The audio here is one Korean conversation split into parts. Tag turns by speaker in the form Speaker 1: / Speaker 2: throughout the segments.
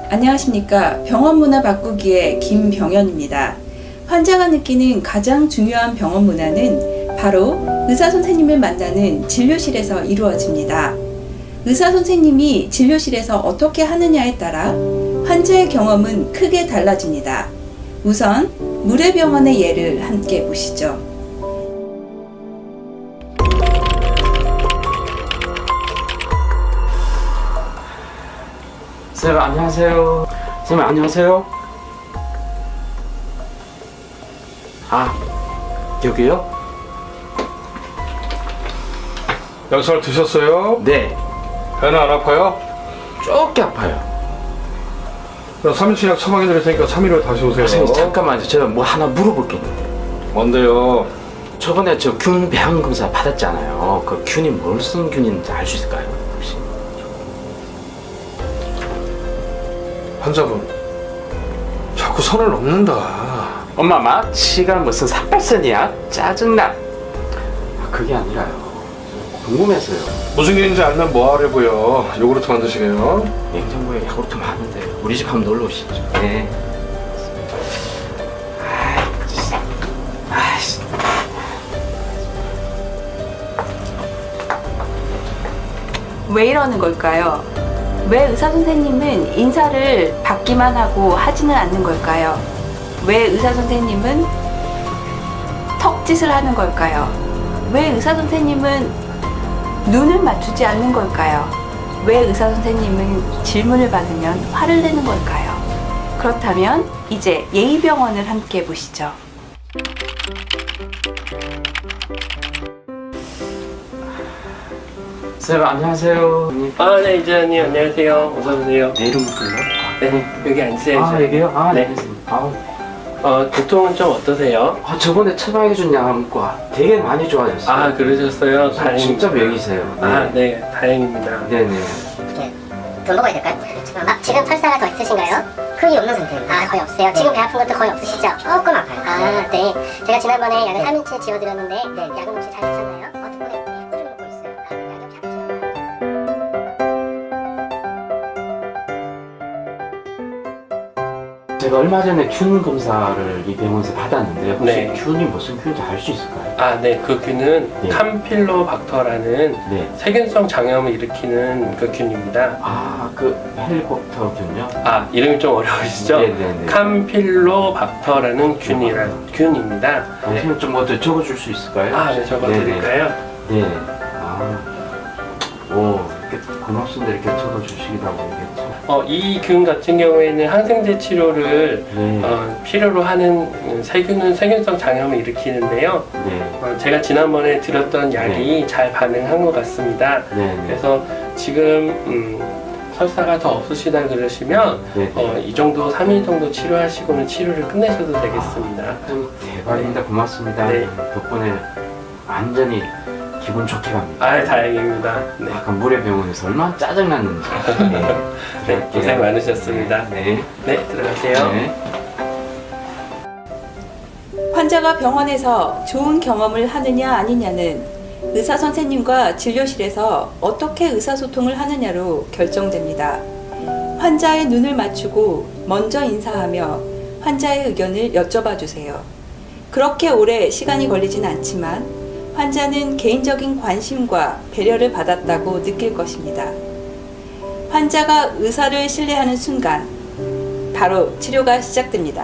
Speaker 1: 안녕하십니까. 병원 문화 바꾸기의 김병현입니다. 환자가 느끼는 가장 중요한 병원 문화는 바로 의사 선생님을 만나는 진료실에서 이루어집니다. 의사 선생님이 진료실에서 어떻게 하느냐에 따라 환자의 경험은 크게 달라집니다. 우선 무례병원의 예를 함께 보시죠.
Speaker 2: 선생님 안녕하세요. 선생님 안녕하세요. 아, 여기요?
Speaker 3: 약 잘 드셨어요?
Speaker 2: 네,
Speaker 3: 배는 안 아파요?
Speaker 2: 조금 아파요.
Speaker 3: 그럼 3일치 약 처방해 드릴 테니까 3일 후에 다시 오세요.
Speaker 2: 선생님 잠깐만요. 제가 뭐 하나 물어볼 게 있는데.
Speaker 3: 뭔데요?
Speaker 2: 저번에 저 균 배양 검사 받았잖아요. 그 균이 뭘 쓴 균인지 알 수 있을까요? 혹시?
Speaker 3: 환자분 자꾸 선을 넘는다.
Speaker 2: 엄마 마취가 무슨 삭발선이야? 짜증나. 아, 그게 아니라요. 궁금해서요.
Speaker 3: 무슨 일인지 알면 뭐 하려고요? 요구르트 만드시게요?
Speaker 2: 냉장고에 야구르트 많은데 우리 집 한번 놀러 오시죠. 네. 아이씨.
Speaker 1: 왜 이러는 걸까요? 왜 의사 선생님은 인사를 받기만 하고 하지는 않는 걸까요? 왜 의사 선생님은 턱짓을 하는 걸까요? 왜 의사 선생님은 눈을 맞추지 않는 걸까요? 왜 의사 선생님은 질문을 받으면 화를 내는 걸까요? 그렇다면 이제 예의병원을 함께 보시죠.
Speaker 2: 선생님 안녕하세요.
Speaker 4: 네, 이재현님 안녕하세요. 어서 오세요.
Speaker 2: 내 이름을 불러?
Speaker 4: 네, 여기 앉으세요.
Speaker 2: 아,
Speaker 4: 이재현님.
Speaker 2: 여기요? 아,
Speaker 4: 네.
Speaker 2: 네. 알겠습니다. 아우.
Speaker 4: 두통은 좀 어떠세요?
Speaker 2: 아, 저번에 처방해준 약과 되게 많이 좋아졌어요.
Speaker 4: 아, 그러셨어요?
Speaker 2: 진짜
Speaker 4: 다행입니다.
Speaker 2: 명이세요. 네.
Speaker 4: 아, 네, 다행입니다.
Speaker 2: 네네.
Speaker 5: 이렇게 돈 먹어야 될까요? 지금 설사가 더 있으신가요? 거의 없는 상태입니다. 아, 거의 없어요? 지금 배 아픈 것도 거의 없으시죠? 조금 아파요. 아, 네. 제가 지난번에 약을 3일치 지어드렸는데 약은 혹시 잘 드셨나요? 덕분에 꾸준히 먹고 있어요. 약이 혹시 안 드셨나요?
Speaker 2: 제가 얼마 전에 균 검사를 이 병원에서 받았는데 혹시
Speaker 4: 네.
Speaker 2: 균이 무슨 균인지 알 수 있을까요?
Speaker 4: 아, 네, 그 균은
Speaker 2: 네.
Speaker 4: 캄필로박터라는
Speaker 2: 네.
Speaker 4: 세균성 장염을 일으키는 그 균입니다.
Speaker 2: 아, 그 헬리콥터 균요?
Speaker 4: 아, 이름이 좀 어려우시죠?
Speaker 2: 네네네.
Speaker 4: 캄필로박터라는 균입니다.
Speaker 2: 선생님 좀 먼저 적어줄 수 있을까요?
Speaker 4: 아, 네, 적어드릴까요?
Speaker 2: 네. 아, 오, 이렇게 고맙습니다. 이렇게 적어주시기도 하고 이게 참.
Speaker 4: 이 균 같은 경우에는 항생제 치료를
Speaker 2: 네.
Speaker 4: 필요로 하는 세균성 장염을 일으키는데요.
Speaker 2: 네.
Speaker 4: 제가 지난번에 드렸던 약이 잘 반응한 것 같습니다.
Speaker 2: 네.
Speaker 4: 그래서 지금 설사가 더 없으시다 그러시면
Speaker 2: 네.
Speaker 4: 이 정도 3일 정도 치료하시고는 치료를 끝내셔도 되겠습니다.
Speaker 2: 참 대박입니다. 고맙습니다.
Speaker 4: 네.
Speaker 2: 덕분에 완전히 기분 좋게 갑니다.
Speaker 4: 아, 다행입니다. 네.
Speaker 2: 약간 무례병원에서 얼마나 짜증났는지. 네.
Speaker 4: 네, 고생 많으셨습니다.
Speaker 2: 네.
Speaker 4: 네, 들어가세요.
Speaker 2: 네.
Speaker 1: 환자가 병원에서 좋은 경험을 하느냐 아니냐는 의사 선생님과 진료실에서 어떻게 의사소통을 하느냐로 결정됩니다. 환자의 눈을 맞추고 먼저 인사하며 환자의 의견을 여쭤봐 주세요. 그렇게 오래 시간이 걸리진 않지만 환자는 개인적인 관심과 배려를 받았다고 느낄 것입니다. 환자가 의사를 신뢰하는 순간 바로 치료가 시작됩니다.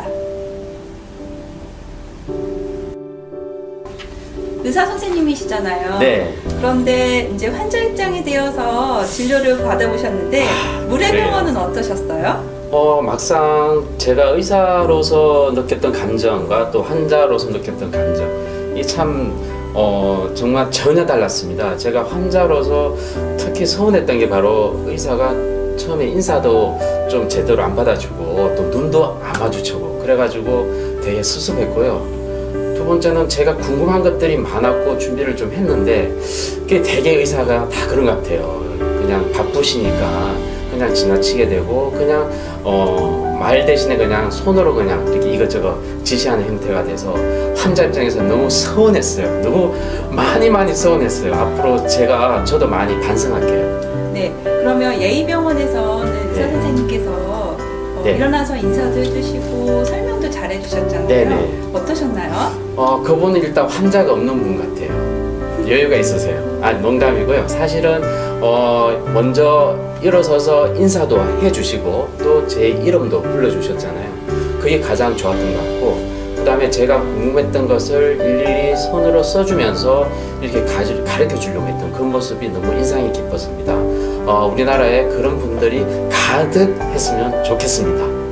Speaker 1: 의사 선생님이시잖아요.
Speaker 2: 네.
Speaker 1: 그런데 이제 환자 입장이 되어서 진료를 받아보셨는데 무례병원은 어떠셨어요?
Speaker 2: 막상 제가 의사로서 느꼈던 감정과 또 환자로서 느꼈던 감정, 이 참 정말 전혀 달랐습니다. 제가 환자로서 특히 서운했던 게 바로 의사가 처음에 인사도 좀 제대로 안 받아주고 또 눈도 안 마주치고 그래가지고 되게 섭섭했고요. 두 번째는 제가 궁금한 것들이 많았고 준비를 좀 했는데 그게 되게 의사가 다 그런 것 같아요. 그냥 바쁘시니까 그냥 지나치게 되고 그냥 말 대신에 그냥 손으로 그냥 이렇게 이것저것 지시하는 형태가 돼서 환자 입장에서 너무 서운했어요. 너무 많이 서운했어요. 앞으로 저도 많이 반성할게요.
Speaker 1: 네, 그러면 예의병원에서는 의사
Speaker 2: 네.
Speaker 1: 선생님께서
Speaker 2: 네.
Speaker 1: 일어나서 인사도 해주시고 설명도 잘 해주셨잖아요.
Speaker 2: 네네.
Speaker 1: 어떠셨나요?
Speaker 2: 그분은 일단 환자가 없는 분 같아요. 여유가 있으세요. 농담이고요. 사실은 먼저 일어서서 인사도 해주시고 또 제 이름도 불러주셨잖아요. 그게 가장 좋았던 것 같고, 그 다음에 제가 궁금했던 것을 일일이 손으로 써주면서 이렇게 가르쳐 주려고 했던 그 모습이 너무 인상이 깊었습니다. 우리나라에 그런 분들이 가득 했으면 좋겠습니다.